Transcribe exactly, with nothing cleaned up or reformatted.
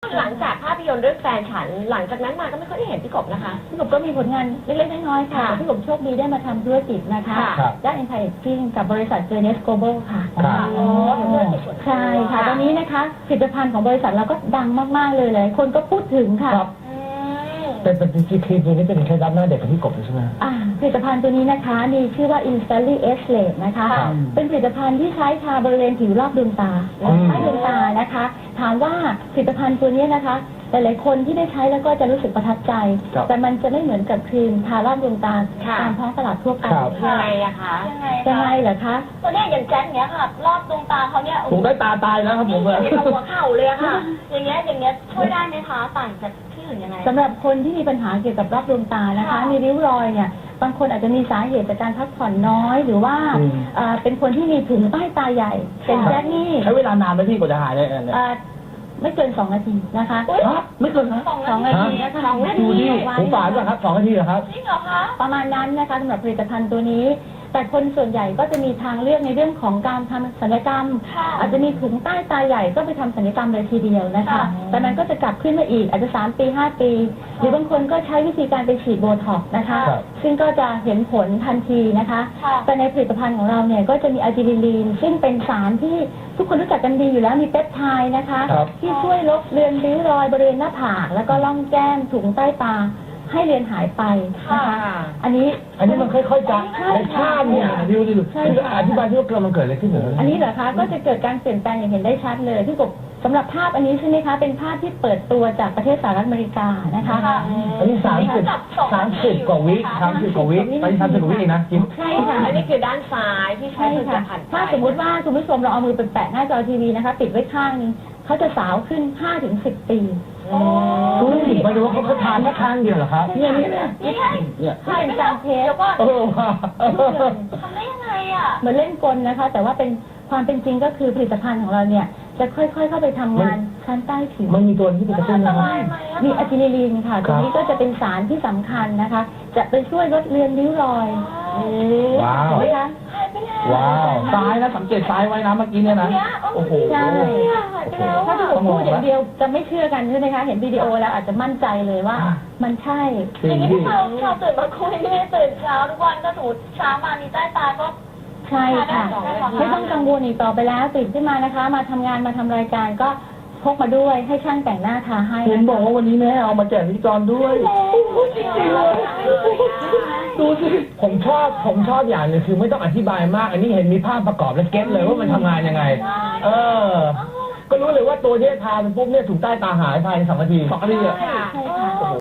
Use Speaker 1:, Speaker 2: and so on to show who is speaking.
Speaker 1: หลังจากภาพยนตร์เรื่องแฟนฉันหลังจากนั้นมาก็ไม่ค่อยได้เห็นพี่กบนะคะ
Speaker 2: พี่กบก็มีผลงานเล็กๆน้อยๆค่ะพี่กบโชคดีได้มาทำธุรกิจนะคะด้าน Anti-Aging กับบริษัท Journeys Global ค่ะอ๋อใช่ค่ะตอนนี้นะคะผลิตภัณฑ์ของบริษัทเราก็ดังมากๆเลยเลยคนก็พูดถึงค่ะ
Speaker 3: เป็นเป็นครีมตัวนี้เป็นเคล็ดลับหน้าเด็กของพี่กบใช่ไหม
Speaker 2: อ่าผลิตภัณฑ์ตัวนี้นะคะมีชื่อว่า Instantly Age Late นะคะเป็นผลิตภัณฑ์ที่ใช้ทาบริเวณผิวรอบดวงตาใต้ดวงตานะคะถามว่าผลิตภัณฑ์ตัวนี้นะคะหลายๆคนที่ได้ใช้แล้วก็จะรู้สึกประทับใจแต่มันจะไม่เหมือนกับครีมทารอบดวงตาตามท้องตลาดทั่วไป
Speaker 1: ยังไงอะคะ
Speaker 2: ยังไงยังไงเหรอคะ
Speaker 4: ตัวนี้อย่างแจ็คเนี้ยค่ะรอบดวงตาเขาเนี่ย
Speaker 3: ถูกได้ตาตายแล้วครับผมเลย
Speaker 4: หัวเข่าเลยค่ะอย่างเงี้ยอย่างเงี้ยช่วยได้ไหมคะต่างจากที่อื่นยังไง
Speaker 2: สำหรับคนที่มีปัญหาเกี่ยวกับรอบดวงตานะคะมีริ้วรอยเนี่ยบางคนอาจจะมีสาเหตุจากการพักผ่อนน้อยหรือว่าเป็นคนที่มีถุงใต้ตาใหญ่เป็นแจ็คนี่
Speaker 3: ใช้เวลานานไหมพี่กว่าจะหายได้เนี่ย
Speaker 2: ไม่เกินสองนาทีนะคะ
Speaker 3: ไม่เกิน
Speaker 2: สองนาทีนะคะสองนาที
Speaker 3: ผมฝานป่ะครับสองนาทีเหรอครับ
Speaker 4: จริงเหรอคะ
Speaker 2: ประมาณนั้นนะคะสำหรับผลิตภัณฑ์ตัวนี้แต่คนส่วนใหญ่ก็จะมีทางเลือกในเรื่องของการทำศัลยกรรมอาจจะมีถุงใต้ตาใหญ่ก็ไปทำศัลยกรรมเลยทีเดียวนะคะแต่มันก็จะกลับขึ้นมาอีกอาจจะสามปีห้าปีหรือบางคนก็ใช้วิธีการไปฉีดโบท็อกซ์นะคะซึ่งก็จะเห็นผลทันทีนะคะแต่ในผลิตภัณฑ์ของเราเนี่ยก็จะมีอะจิลิลีนซึ่งเป็นสารที่ทุกคนรู้จักกันดีอยู่แล้วมีเปปไทด์นะคะที่ช่วยลบเลือนริ้วรอยบริเวณหน้าผากแล้วก็ร่องแก้มถุงใต้ตาให้เรียนหายไปนะคะอันนี้
Speaker 3: อันนี้มันค่อยๆจะในภาพเนี่ยดิวดิวอธิบายที่ว่าเกิดมันเกิดอะไรขึ้นเหรอ
Speaker 2: อันนี้เหรอคะก็จะเกิดการเปลี่ยนแปลงอย่างเห็นได้ชัดเลยที่กบสำหรับภาพอันนี้ใช่ไหมคะเป็นภาพที่เปิดตัวจากประเทศสหรัฐอเมริกานะคะ
Speaker 3: อันนี้สามสิบสามสิบกว่าวิสามสิบกว่าวิไปสามสิบกว่าวิเองนะ
Speaker 2: ใช่ค่ะ
Speaker 1: อันนี้คือด้านซ้ายที่ใช้ผลิตภัณฑ์
Speaker 2: ถ้าสมมติว่าคุณผู้ชมเราเอามือไปแปะหน้าจอทีวีนะคะปิดไว้ข้างนึงเขาจะสาวขึ้น ห้าถึงสิบ ปี
Speaker 3: ดูสิหมายถึงว่าเขาทานแค่ข้างเดียวเหรอครับ
Speaker 2: เนี่ยเนี่ยเนี่ยใช่เป็นการเทสแล้วก็
Speaker 4: ทำได้ยังไงอ่ะ
Speaker 2: เหมือนเล่นกลนะคะแต่ว่าเป็นความเป็นจริงก็คือผลิตภัณฑ์ของเราเนี่ยจะค่อยๆเข้าไปทำงานชั้นใต้ผิว
Speaker 3: มันมีตัวที่เป็นกระตุ้นไหม
Speaker 2: มีอะจิลิลีนค่ะตัวนี้ก็จะเป็นสารที่สำคัญนะคะจะไปช่วยลดเลือนริ้วรอย
Speaker 3: ว้าวว้าวซ้ายนะสังเกตซ้ายไว้นะเมื่อกี้เนี่ยนะโอ้โห
Speaker 2: ใช่ถ้าผมพูดอย่างเดียวจะไม่เชื่อกันใช่ไหมคะเห็นวิดีโอแล้วอาจจะมั่นใจเลยว่ามันใช่
Speaker 4: อย่างนี้เราเราตื่นมาคุยไม่ได้ตื่นเช้าทุกวันก็ถูเช้ามามีใต้ตาก็
Speaker 2: ใช่ค่ะไม่ต้องกังวลอีกต่อไปแล้วตื่นขึ้นมานะคะมาทำงานมาทำรายการก็พกมาด้วยให้ช่างแต่งหน้าทาให้
Speaker 3: เห็นบอกว่าวันนี้แม่เอามาแจกพิธีกรด้วยดูสิผมชอบผมชอบอย่างนึงคือไม่ต้องอธิบายมากอันนี้เห็นมีภาพประกอบและเก็ตเลยว่ามันทำงานยังไงเออก็รู้เลยว่าตัวที่ทาเป็นปุ๊บเนี่ยถูกใต้ตาหายภายในสองนาทีสองนาทีอ่ะ